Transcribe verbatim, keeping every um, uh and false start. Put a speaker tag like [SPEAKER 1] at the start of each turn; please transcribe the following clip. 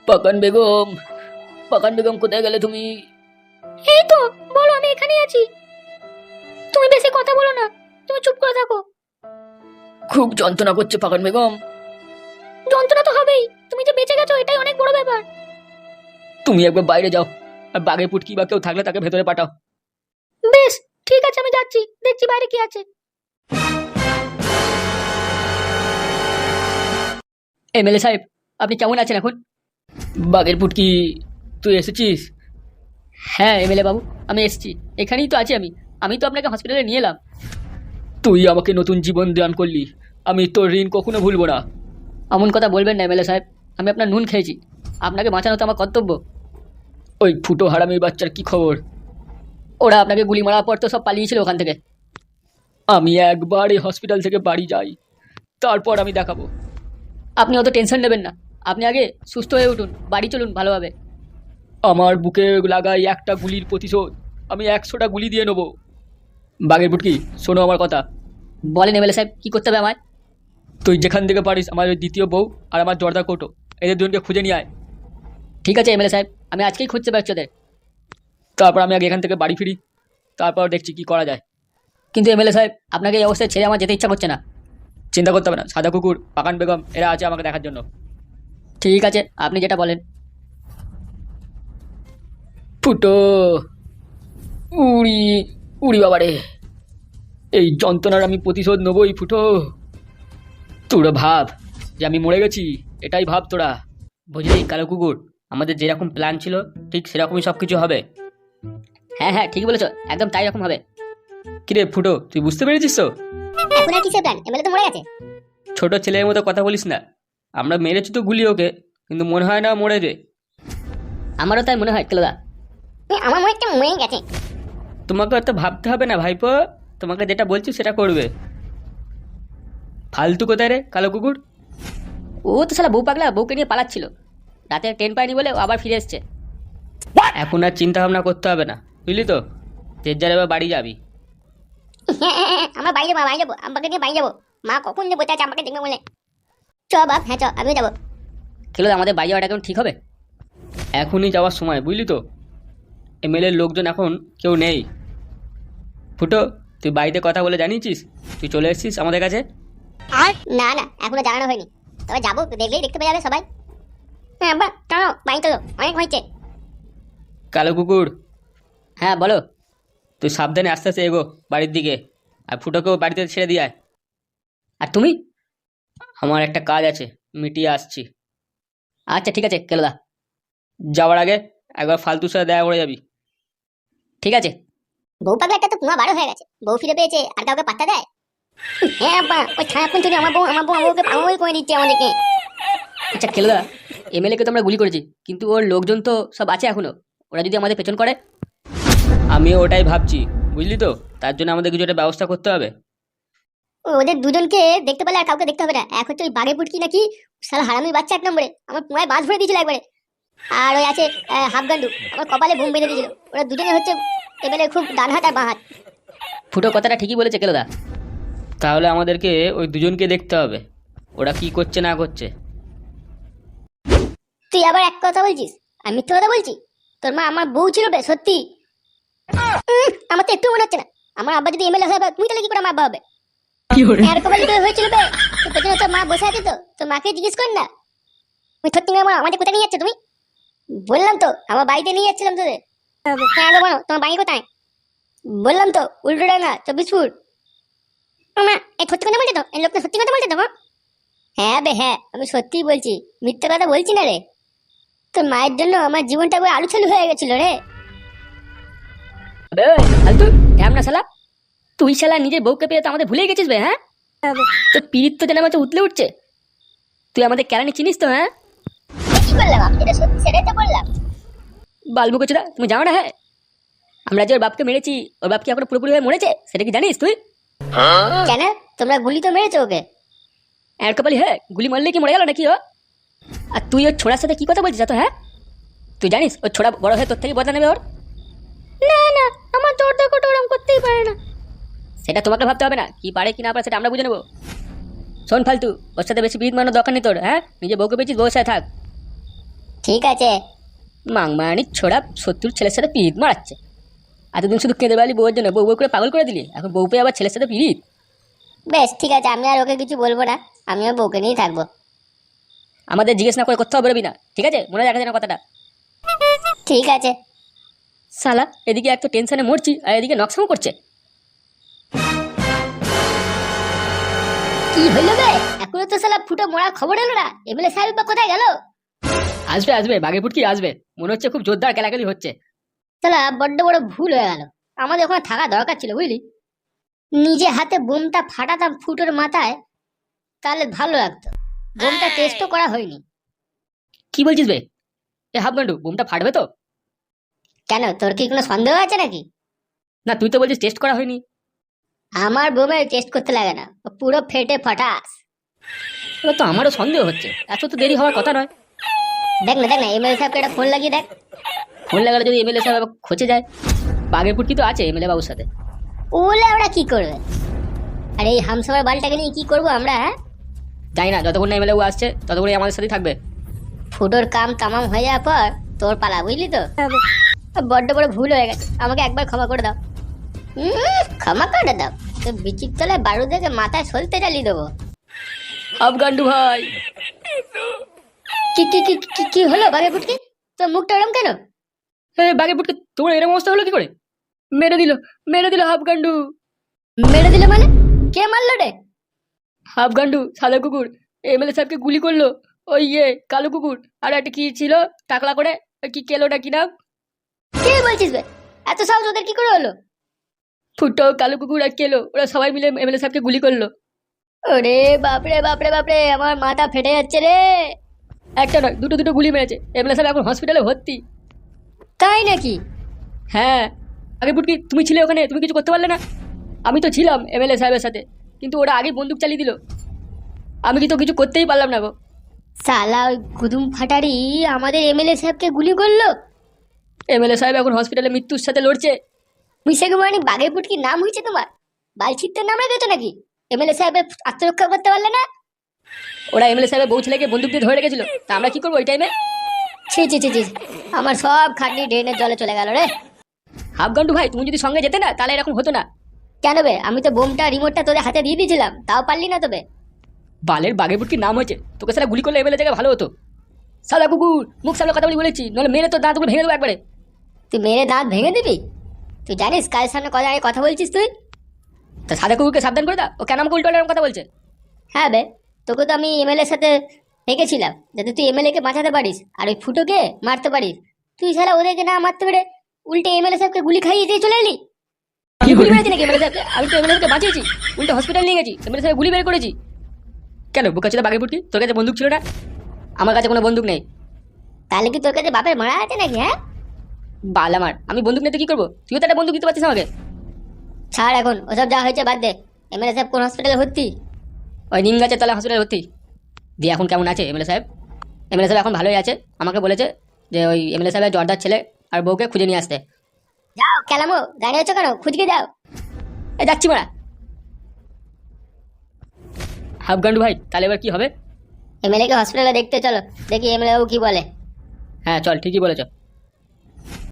[SPEAKER 1] পাকান বেগম, পাকান বেগম কোথায় গেলে তুমি?
[SPEAKER 2] এই তো, বলো, আমি এখানেই আছি। তুমি বেশি কথা বলো না, তুমি চুপ করে থাকো।
[SPEAKER 1] খুব যন্ত্রণা করছে পাকান বেগম।
[SPEAKER 2] যন্ত্রণা তো হবেই, তুমি যে বেঁচে গেছো এটাই অনেক বড় ব্যাপার।
[SPEAKER 1] তুমি একবার বাইরে যাও, আর বাঘে পুটকি বা কেউ থাকলে তাকে ভেতরে পাঠাও।
[SPEAKER 2] বেশ, ঠিক আছে, আমি যাচ্ছি, দেখছি বাইরে কি আছে।
[SPEAKER 1] এমএলএ সাহেব, আপনি কেমন আছেন এখন? বাঘের পুটকি, তুই এসেছিস? হ্যাঁ এমএলএ বাবু, আমি এসেছি, এখানেই তো আছি আমি। আমি তো আপনাকে হসপিটালে নিয়ে এলাম। তুই আমাকে নতুন জীবন দান করলি, আমি তোর ঋণ কখনো ভুলবো না। এমন কথা বলবেন না এমএলএ সাহেব, আমি আপনার নুন খেয়েছি, আপনাকে বাঁচানো তো আমার কর্তব্য। ওই ফুটো হারামির বাচ্চার কি খবর? ওরা আপনাকে গুলি মারার পর তো সব পালিয়েছিল ওখান থেকে। আমি একবার এই হসপিটাল থেকে বাড়ি যাই, তারপর আমি দেখাবো। আপনি অত টেনশন নেবেন না, আপনি আগে সুস্থ হয়ে উঠুন, বাড়ি চলুন ভালোভাবে। আমার বুকে লাগাই একটা গুলির প্রতিশোধ আমি একশোটা গুলি দিয়ে নেবো। বাঘের বুটকি, শোনো আমার কথা। বলেন এমএলএ সাহেব, কি করতে হবে আমায়? তুই যেখান থেকে পারিস আমার ওই দ্বিতীয় বউ আর আমার জর্দা কোটো, এদের দুজনকে খুঁজে নিয়ে আয়। ঠিক আছে এমএলএ সাহেব, আমি আজকেই খুঁজতে পারছি ওদের। তারপর আমি আগে এখান থেকে বাড়ি ফিরি, তারপর দেখছি কি করা যায়। কিন্তু এমএলএ সাহেব, আপনাকে এই অবস্থায় ছেড়ে আমার যেতে ইচ্ছা করছে না। চিন্তা করতে হবে না, সাদা কুকুর, পাকান বেগম এরা আছে আমাকে দেখার জন্য। ঠিক আছে, আপনি যেটা বলেন। ফুটো, উড়ি উড়ি বাবারে, এই যন্ত্রণার আমি প্রতিশোধ নেবই ফুটো। তোরা ভাব যে আমি মরে গেছি, এটাই ভাব তোরা। বুঝলি কালো কুকুর, আমাদের যেরকম প্ল্যান ছিল ঠিক সেরকমই সব কিছু হবে। হ্যাঁ হ্যাঁ ঠিক বলেছ, একদম তাই রকম হবে। কিরে ফুটো, তুই বুঝতে পেরেছিস তো?
[SPEAKER 2] এখন আর কিসের প্ল্যান? এমএলএ তো মরে গেছে।
[SPEAKER 1] ছোট ছেলের মতো কথা বলিস না, আমরা মেরেছি তো গুলি ওকে, কিন্তু মনে হয় না মরে রে। আমারও তাই মনে হয় কেলোদা।
[SPEAKER 2] আমার মনে হচ্ছে মরে গেছে।
[SPEAKER 1] তোমাকে অত ভাবতে হবে না ভাইপো, তোমাকে যেটা বলছি সেটা করবে। ফালতু কোথায় রে কালো কুকুর? ও তো শালা বউ পাগলা, বউকে নিয়ে পালাচ্ছিল, রাতে ট্রেন পায়নি বলে ও আবার ফিরে এসছে। এখন আর চিন্তা ভাবনা করতে হবে না, বুঝলি তো, যে যার এবার বাড়ি যাবি।
[SPEAKER 2] আমরা বাড়ি যাবো, বাড়ি যাবো, আমাকে নিয়ে বাড়ি যাবো। মা কখন যে বসে আছে আমাকে দেখবে বলে। চ বাপ, হ্যাঁ চ, আমিও যাবো।
[SPEAKER 1] খেলো আমাদের বাড়ি যাওয়াটা কেমন ঠিক হবে? এখনই যাওয়ার সময়, বুঝলি তো, এমএলএর লোকজন এখন কেউ নেই। ফুটো, তুই বাড়িতে কথা বলে জানিয়েছিস তুই চলে এসেছিস আমাদের কাছে?
[SPEAKER 2] আর না না, এখনো জানানো হয়নি, তবে যাবো, দেখলেই দেখতে পেয়ে যাবে সবাই। হ্যাঁ বা চলো, বাড়ি চলো, অনেক হয়েছে।
[SPEAKER 1] কালো কুকুর, হ্যাঁ বলো। তুই সাবধানে আস্তে আস্তে এগো বাড়ির দিকে, আর ফুটোকেও বাড়িতে ছেড়ে দিয়ে আয়। আর তুমি? আমার একটা কাজ আছে, মিটিয়ে আসছি। আচ্ছা ঠিক আছে কেলোদা, যাওয়ার আগে একবার ফালতুর সাথে দেখা করে যাবি। ঠিক আছে।
[SPEAKER 2] বউ পাগলা একটা তো পুরো বারো হয়ে গেছে, বউ ফিরে পেয়েছে আর কাউকে পাত্তা দেয়? হ্যাঁ আব্বা, ওই ছায়াপুন চুরি আমার বউ, আমার বউ আমাকে পাগল করে দিচ্ছে আমাদেরকে।
[SPEAKER 1] আচ্ছা কেলোদা, এমএলএ কে তো আমরা গুলি করেছি, কিন্তু ওর লোকজন তো সব আছে এখনো, ওরা যদি আমাদের পেছন করে? আমিও ওটাই ভাবছি, বুঝলি তো, তার জন্য আমাদের কিছু একটা ব্যবস্থা করতে হবে।
[SPEAKER 2] ওদের দুজনকে দেখতে পেলে আর কাউকে দেখতে হবে না। এক হচ্ছে ওই বাঘে পুটকি নাকি, শালা হারামির বাচ্চা এক নম্বরে, আমার পুরায় বাজ ভরে দিয়েছিল একবারে। আর ওই আছে হাফগান্ডু, আমার কপালে ঘুম বেঁধে দিয়েছিল। ওরা দুজনে হচ্ছে এবারে খুব ডান হাত আর বাঁ হাত।
[SPEAKER 1] ফুটো কথাটা ঠিকই বলেছে কেলোদা, তাহলে আমাদেরকে ওই দুজনকে দেখতে হবে, ওরা কি করছে না করছে।
[SPEAKER 2] তুই আবার এক কথা বলছিস, আমি মিথ্যে কথা বলছি? তোর মা আমার বউ ছিল বে, সত্যি। উম, আমার তো একটু মনে হচ্ছে না। আমার আব্বা যদি এমএলএ হয়, তুমি তাহলে কি করে আমার আব্বা হবে? এরকম যদি হয়েছিল বে, তোর পেছনে তোর মা বসে আছে, তো তোর মাকে জিজ্ঞেস কর না। তুমি সত্যি আমার আমাদের কোথায় নিয়ে যাচ্ছ তুমি? বললাম তো আমার বাড়িতে নিয়ে যাচ্ছিলাম তোদের। হ্যাঁ বলো, তোমার বাড়ি কোথায়? বললাম তো উল্টোডাঙ্গা, চব্বিশপুর। মা এই সত্যি কথা বলছে তো? এই লোকটা সত্যি কথা বলছে তো মা? হ্যাঁ বে হ্যাঁ, আমি সত্যিই বলছি, মিথ্যে কথা বলছি না রে। তোর মায়ের জন্য আমার জীবনটা পুরো আলু চালু হয়ে গেছিল রে।
[SPEAKER 1] ফালতু ঢ্যামনা শালা, তুই শালা নিজের বউকে পেয়ে তো আমাদের ভুলে গেছিস বে। হ্যাঁ, তোর পিরিত তো যেন আমার উতলে উঠছে। তুই আমাদের কেরানি চিনিস তো? হ্যাঁ,
[SPEAKER 2] কি করলাম? আমি যেটা সত্যি সেটাই তো বললাম।
[SPEAKER 1] বালবুকো চোদা, তুমি জানো না? হ্যাঁ, আমরা যে ওর বাপকে মেরেছি, ওর বাপ কি এখনো পুরোপুরি হয়ে মরেছে সেটা কি জানিস তুই?
[SPEAKER 2] কেন? তোমরা গুলি তো মেরেছো ওকে।
[SPEAKER 1] আর কপালি, হ্যাঁ গুলি মারলে কি মরে গেল নাকি ও? আর তুই ওর ছোড়ার সাথে কি কথা বলছিস তো? হ্যাঁ, তুই জানিস ওর ছোড়া বড় হয়ে তোর থেকে বদলা নেবে ওর?
[SPEAKER 2] না না, আমার জর্দা কোটা ওরম করতেই পারে না।
[SPEAKER 1] সেটা তোমাকে ভাবতে হবে না, কি পারে কি না পারে সেটা আমরা বুঝে নেবো। শোন ফালতু, ওর সাথে বেশি বিদ মানানোর দরকার নেই তোর। হ্যাঁ, নিজে বউকে পেয়েছিস, বউর সাথে থাক।
[SPEAKER 2] ঠিক আছে।
[SPEAKER 1] মাংমারানির ছোড়া শত্রুর ছেলের সাথে পিরিত মারাচ্ছে। এতদিন শুধু কেঁদে বেড়ালি বউয়ের জন্য, বউ বউ করে পাগল করে দিলি, এখন বউ পেয়ে আবার ছেলের সাথে পিরিত।
[SPEAKER 2] বেশ ঠিক আছে, আমি আর ওকে কিছু বলবো না, আমি ওর বউকে নিয়েই থাকবো।
[SPEAKER 1] আমাদের জিজ্ঞেস না করে কোথাও বেরোবি না, ঠিক আছে? মনে রাখা যেন কথাটা।
[SPEAKER 2] ঠিক আছে।
[SPEAKER 1] শালা এদিকে এক তো টেনশনে মরছি, আর এদিকে নকশাও করছে।
[SPEAKER 2] কি হইলো বে? এখনো তো শালা ফুটো মরা খবর এলো না, এমএলএ সাহেব বা কোথায় গেল?
[SPEAKER 1] আসবে আসবে, বাঘে ফুটকি আসবে, মনে হচ্ছে খুব জোরদার কেলাকেলি হচ্ছে।
[SPEAKER 2] শালা বড্ড বড় ভুল হয়ে গেল, আমাদের ওখানে থাকা দরকার ছিল বুঝলি। নিজে হাতে বোমটা ফাটাতাম ফুটোর মাথায়, তাহলে ভালো লাগতো। বোমটা টেস্টও করা হয়নি।
[SPEAKER 1] কি বলছিস বে? এ হাফগান্ডু, বোমটা ফাটবে তো?
[SPEAKER 2] কেন, তোর কি কোনো সন্দেহ আছে নাকি?
[SPEAKER 1] না, তুই তো বলছিস টেস্ট করা হয়নি।
[SPEAKER 2] আমার বোমের টেস্ট করতে লাগে না, ও পুরো ফেটে ফাটাস।
[SPEAKER 1] এবার তো আমারও সন্দেহ হচ্ছে, এত তো দেরি হওয়ার কথা নয়।
[SPEAKER 2] দেখ না দেখ না, এমএলএ সাহেবকে একটা ফোন লাগিয়ে দেখ।
[SPEAKER 1] ফোন লাগালে যদি এমএলএ সাহেব আবার খোঁজে যায়। বাঘের ফুটকি তো আছে এমএলএ বাবুর সাথে।
[SPEAKER 2] ওলে ওরা কি করবে? আর এই হামসাবার বালটাকে নিয়ে কি করবো আমরা, হ্যাঁ?
[SPEAKER 1] জানি না, যতক্ষণ না এমএলএ বাবু আসছে ততক্ষণই আমাদের সাথেই থাকবে।
[SPEAKER 2] ফুটোর কাম তামাম হয়ে যাওয়ার পর তোর পালা, বুঝলি তো? বড্ড বড় ভুল হয়ে গেছে, আমাকে একবার ক্ষমা করে দাও। উম, ক্ষমা করে দাও? তো বিচির তলায় বারু দেখে মাথায় সলতে চালিয়ে দেবো।
[SPEAKER 1] হাফগান্ডু ভাই,
[SPEAKER 2] কি কি কি কি- কি হলো বাঘে ফুটকি? তোর মুখটা ওরম কেন?
[SPEAKER 1] হে বাঘের ফুটকি, তোমার এরকম অবস্থা হলো কি করে? মেরে দিল, মেরে দিল হাফগান্ডু।
[SPEAKER 2] মেরে দিল মানে? কে মারলো রে?
[SPEAKER 1] হাফগান্ডু সাদা কুকুর এমএলএ সাহেবকে গুলি করলো। ওই ইয়ে কালো কুকুর, আর একটা কি ছিল টাকলা করে, ওই কি কেলোটা কি নাম?
[SPEAKER 2] কে বলছিস বে? এত সাহস ওদের কি করে হলো?
[SPEAKER 1] ফুটো, কালো কুকুর আর কেলো, ওরা সবাই মিলে এমএলএ সাহেবকে গুলি করলো।
[SPEAKER 2] ওরে বাপরে বাপরে বাপরে, আমার মাথা ফেটে যাচ্ছে রে।
[SPEAKER 1] একটা নয়, দুটো দুটো গুলি মেরেছে। এমএলএ সাহেব এখন হসপিটালে ভর্তি।
[SPEAKER 2] তাই নাকি?
[SPEAKER 1] হ্যাঁ। আগে ফুটকি, তুমি ছিলে ওখানে, তুমি কিছু করতে পারলে না? আমি তো ছিলাম এমএলএ সাহেবের সাথে, কিন্তু ওরা আগেই বন্দুক চালিয়ে দিল। আমি কি তো কিছু করতেই পারলাম না গো।
[SPEAKER 2] সালা ওই গুদুম ফাটারি আমাদের এমএলএ সাহেবকে গুলি করলো।
[SPEAKER 1] এমএলএ সাহেব এখন হসপিটালে মৃত্যুর সাথে লড়ছে।
[SPEAKER 2] মিশাকে মানে বাঘের পুটকি নাম হয়েছে তোমার? বালছিত্তের নাম রেখেছো নাকি? এমএলএ সাহেবের আত্মরক্ষা করতে পারলে না?
[SPEAKER 1] ওরা এমএলএ সাহেবের বউ ছেলেকে বন্দুক দিয়ে ধরে রেখেছিল, তা আমরা কি করবো ওই টাইমে?
[SPEAKER 2] ছি ছি ছি ছি, আমার সব খাটনি ড্রেনের জলে চলে গেল রে।
[SPEAKER 1] হাফগান্ডু ভাই, তুমি যদি সঙ্গে যেতে না তাহলে এরকম হতো না।
[SPEAKER 2] কেন বে? আমি তো বোমটা রিমোটটা তোদের হাতে দিয়ে দিয়েছিলাম, তাও পারলি না তবে।
[SPEAKER 1] বালের বাঘের বুটকির নাম হয়েছে, তোকে সারা গুলি করলে এমএলএ জায়গায় ভালো হতো। সাদা কুকুর, মুখ সামনে কথা বলি বলেছি, নাহলে মেরে তো দাঁতগুলো ভেঙে দেবো একবারে।
[SPEAKER 2] তুই মেরে দাঁত ভেঙে দিবি? তুই জানিস কার সামনে কথা আগে কথা বলছিস তুই?
[SPEAKER 1] তা সাদা কুকুরকে সাবধান করে দাও, ও কেন আমাকে উল্টো এরকম কথা বলছে?
[SPEAKER 2] হ্যাঁ বে, তোকে তো আমি এমএলএ সাথে রেখেছিলাম যাতে তুই এমএলএ কে বাঁচাতে পারিস আর ওই ফুটোকে মারতে পারিস। তুই সারা ওদেরকে না মারতে পেরে উল্টে এমএলএ সাহেবকে গুলি খাইয়ে দিয়ে চলে এলি।
[SPEAKER 1] আমি গুলি মেরেছি নাকি এমএলএ সাহেবকে? আমি তো এমএলএ সাহেবকে বাঁচিয়েছি, উল্টো হসপিটাল নিয়ে গেছি, এমএলএ সাহেব গুলি বের করেছি। কেন বোকাচোদা বাঘের বুটকি, তোর কাছে বন্দুক ছিল না? আমার কাছে কোনো বন্দুক নেই।
[SPEAKER 2] তাহলে কি তোর কাছে বাপের মারা আছে নাকি, হ্যাঁ?
[SPEAKER 1] বাল আমার, আমি বন্দুক নিতে কি করবো? তুইও তো একটা বন্দুক দিতে পারছিস আমাকে।
[SPEAKER 2] ছাড় এখন ওসব যা হয়েছে বাদ দে। এমএলএ সাহেব কোন হসপিটালে ভর্তি?
[SPEAKER 1] ওই নিম গাছের তলায় হসপিটালে ভর্তি। দিয়ে এখন কেমন আছে এমএলএ সাহেব? এমএলএ সাহেব এখন ভালোই আছে, আমাকে বলেছে যে ওই এমএলএ সাহেবের জর্দার ছেলে আর বউকে খুঁজে নিয়ে আসতে।
[SPEAKER 2] যাও কেলামো, দাঁড়িয়ে আছো কেন? খুঁজকে যাও।
[SPEAKER 1] এ যাচ্ছি মারা। হাফগান্ডু ভাই, তাহলে এবার কি হবে?
[SPEAKER 2] এমএলএ কে হসপিটালে দেখতে চলো, দেখি এমএলএ বাবু কি বলে।
[SPEAKER 1] হ্যাঁ চল, ঠিকই বলেছ।